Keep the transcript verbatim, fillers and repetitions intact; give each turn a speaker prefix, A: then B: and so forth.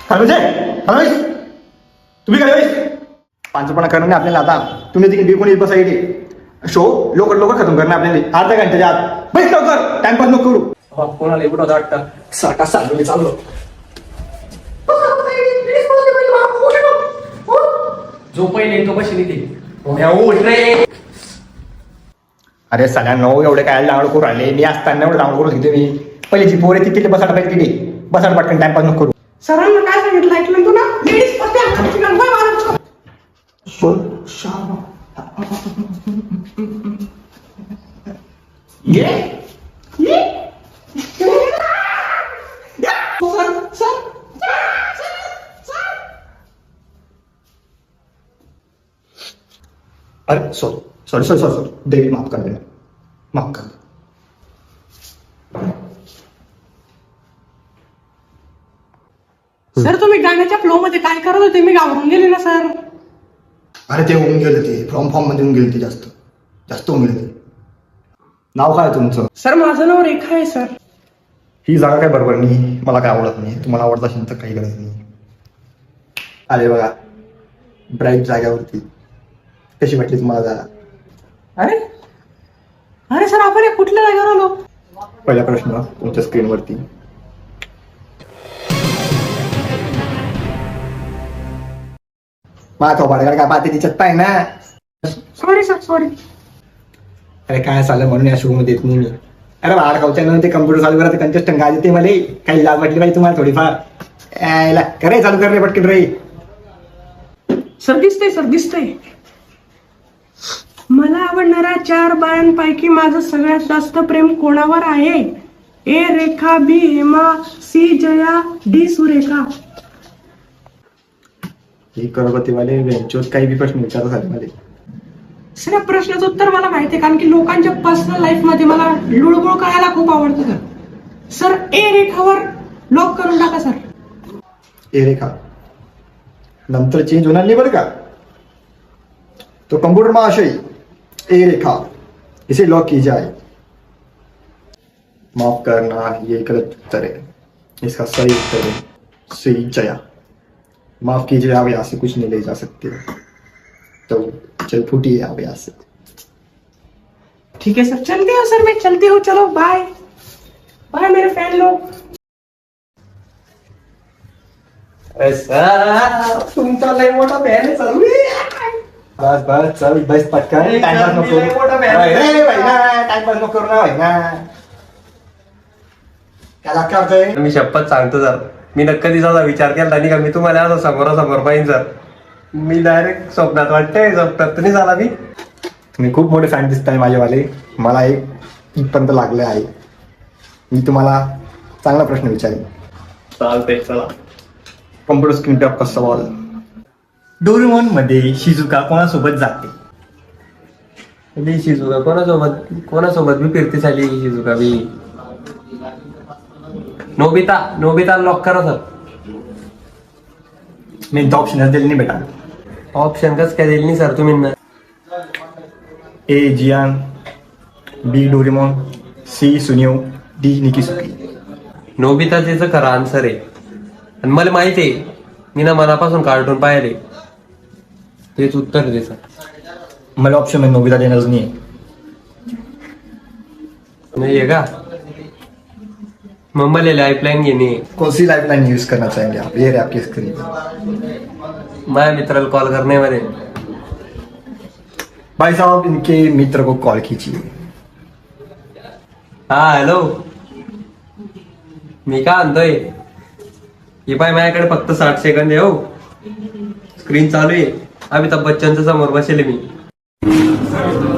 A: Hello hello तुम्ही काय पांचपणा करणं नाही आपल्याला. आता तुम्ही तिकडे कोणी बसायचे शो लवकर लवकर खतम करणं आपल्याला. अर्ध्या घंट्याच्या आत बस लवकर, टाइमपास नको करू.
B: कोणाला एवढं होतं वाटतं सारखा चाललो मी चाललो. जो पहिले तो कशी निघे.
A: अरे सगळ्यांना एवढे काय डाऊनलोड करून राहिले. मी असताना एवढं डाऊनलोड करून घेते मी. पहिली जी पोर आहे ती तिथे बसायला पाहिजे. तिथे बसायला पटकन टाइमपास नको करू.
C: सरांना काय सांगितलं ऐकलं तू ना? लेडीज फक्त हाताची गंगा मारायचं.
A: ये
C: ये सर सर
A: अरे sorry sorry sorry sorry sorry देवी माफ कर देना, माफ कर दे.
C: सर तुम्ही गाण्याच्या फ्लो मध्ये काय करत होते? मी घाबरून गेले ना सर.
A: अरे ते होऊन गेलं, ते फ्रॉम फॉर्म मध्ये होऊन गेले, ते जास्त जास्त होऊन गेले. नाव काय तुमचं?
C: सर माझं नाव रेखा आहे सर.
A: ही जागा काय बरोबर नाही, मला काय आवडत नाही. तुम्हाला आवडत असेल तर काही गरज नाही. अरे बघा ब्राईट जाग्यावरती कशी वाटली तुम्हाला जागा?
C: अरे अरे सर आपण हे कुठल्या जागेवर आलो?
A: पहिला प्रश्न तुमच्या स्क्रीनवरती. माझा थोपाडकडे काय पाहते तिच्यात पाय ना.
C: Sorry sir sorry.
A: अरे काय चाललं म्हणून या शो मध्ये येत नाही मी. अरे बाहेर खाऊच्या ते कम्प्युटर चालू करा, कंटेस्टंट गाज येते मला. काही लाज वाटली पाहिजे तुम्हाला थोडीफार. यायला करे चालू कर रे पटकन रे.
C: सर दिसतंय सर दिसतंय. मला आवडणाऱ्या चार बायांपैकी माझं सगळ्यात जास्त प्रेम कोणावर आहे? A Rekha, B Hema, C Jaya, D Surekha.
A: ही करोडपतीवाले वेंचोत काही बी प्रश्न विचारत झाले मला.
C: सर या प्रश्नाचं उत्तर मला माहिती आहे, कारण की लोकांच्या पर्सनल लाईफ मध्ये मला लुळबुळ करायला खूप आवडतं सर. सर ए रेखावर लॉक करून टाका सर.
A: ए रेखा नंतर चेंज होणार नाही बरं का. तो कंप्यूटर महाशय ए रेखा इसे लॉक की जाए. माफ करना ये गलत उत्तर है. इसका सही उत्तर है सी जया. माफ कीजिए आप यहाँ से कुछ नहीं ले जा सकते, तो चल फूटिए आप यहाँ से.
C: ठीक है सर, चलते हो सर, मैं चलती हूँ. चलो बाय बाय मेरे फैन लोग.
B: तुमचा लय मोठा फॅन आहे सर.
A: बस बस चल बस पटकन. टाइमपास नको करू. टाइमपास नको करू ना भाई ना. काय लागतं होतंय?
B: मी शपथ सांगतो सर, मी नक्की दिवसाचा विचार केला नाही का मी तुम्हाला असं समोरासमोर पाहिजे सर. मी डायरेक्ट स्वप्नात वाटतंय, स्वप्नात तर नाही झाला मी.
A: तुम्ही खूप मोठे फॅन दिसताय माझेवाले. मला एक इथपर्यंत लागले आहे. मी तुम्हाला चांगला प्रश्न विचारेन.
B: चालतंय चला.
A: कॉम्प्युटर स्क्रीन टॉप का सवाल. डोरेमोन मध्ये शिजुका कोणासोबत जाते?
B: बी शिजुका कोणासोबत कोणासोबत बी फिरती झाली. Shizuka B Nobita Nobita lock करा सर.
A: मी ऑप्शन दिले नाही बेटा.
B: ऑप्शन कस काय दिली नाही सर तुम्ही ना.
A: A Gian, B Doraemon, C Suneo, D Dekisugi.
B: Nobita त्याचं खरं आन्सर आहे आणि मला माहिती आहे, मी ना मनापासून कार्टून पाहिले. तेच उत्तर दे सर.
A: मला ऑप्शन में नोबिता देणार नाही आहे.
B: नाही आहे का? मग मला लाईफलाईन घेणे.
A: कौन सी लाइफलाइन यूज करना चाहेंगे आप? ये रहे आपकी स्क्रीन.
B: माझ्या मित्राला कॉल करने मध्ये.
A: भाई साहब इनके मित्र को कॉल कीजिए.
B: हा हॅलो, मी काय म्हणतोय, हे पाय माझ्याकडे फक्त साठ सेकंद आहे. हो स्क्रीन चालू आहे. अमिताभ बच्चनच्या समोर बसेल मी.